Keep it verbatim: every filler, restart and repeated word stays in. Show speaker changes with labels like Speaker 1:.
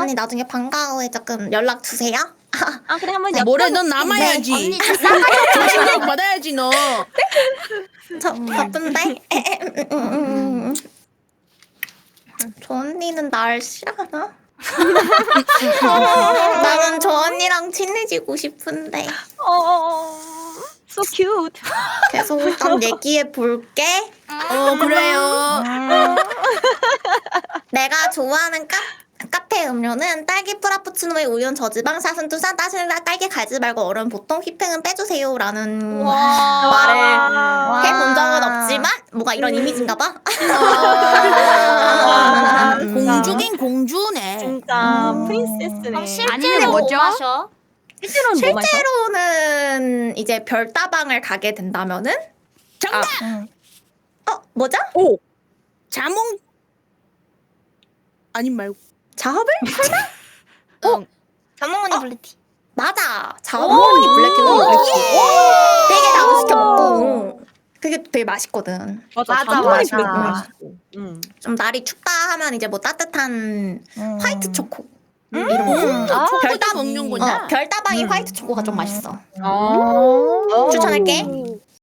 Speaker 1: 아니 나중에 방과후에 조금 연락 주세요.
Speaker 2: 아 그래 한번
Speaker 3: 아, 뭐래 넌 남아야지.
Speaker 1: 언니
Speaker 3: 정신력 받아야지 너.
Speaker 1: 저 바쁜데. 음. 저 언니는 날 싫어하나? 나는 저 언니랑 친해지고 싶은데.
Speaker 2: 어 so cute.
Speaker 1: 계속 일단 얘기해 볼게.
Speaker 3: 어 그래요.
Speaker 1: 내가 좋아하는 카, 카페 음료는 딸기 프라푸치노에 우연 저지방 사슴투산 따실라 딸기 갈지 말고 얼음 보통 휘핑은 빼주세요라는 말을 해본 적은 없지만 뭐가 이런 이미지인가 봐.
Speaker 3: 아,
Speaker 1: 음.
Speaker 3: 공주긴 공주네.
Speaker 2: 진짜
Speaker 1: 음.
Speaker 2: 프린세스네.
Speaker 4: 그럼 실제로
Speaker 5: 아니면
Speaker 4: 뭐
Speaker 5: 뭐죠?
Speaker 4: 마셔?
Speaker 2: 실제로는 뭐 마셔?
Speaker 1: 실제로는 이제 별다방을 가게 된다면은
Speaker 3: 정답.
Speaker 1: 어 뭐죠?
Speaker 3: 오. 자몽. 아님 말고.
Speaker 1: 자업을? 설마?
Speaker 3: 어.
Speaker 4: 자몽언니 블루티.
Speaker 1: 맞아. 자업이 블랙티도 블랙티. 되게 자주 시켜 먹고 그게 되게 맛있거든.
Speaker 2: 맞아
Speaker 5: 맞아,
Speaker 2: 자몽이
Speaker 5: 맞아.
Speaker 2: 블랙 맛있어. 응.
Speaker 1: 좀 날이 춥다 하면 이제 뭐 따뜻한
Speaker 5: 음.
Speaker 1: 화이트 초코
Speaker 5: 음.
Speaker 1: 이런 거.
Speaker 5: 아,
Speaker 3: 별다
Speaker 1: 별다
Speaker 3: 먹는구나.
Speaker 1: 어, 별다방이
Speaker 5: 음.
Speaker 1: 화이트 초코가 좀 맛있어.
Speaker 2: 어.
Speaker 1: 추천할게.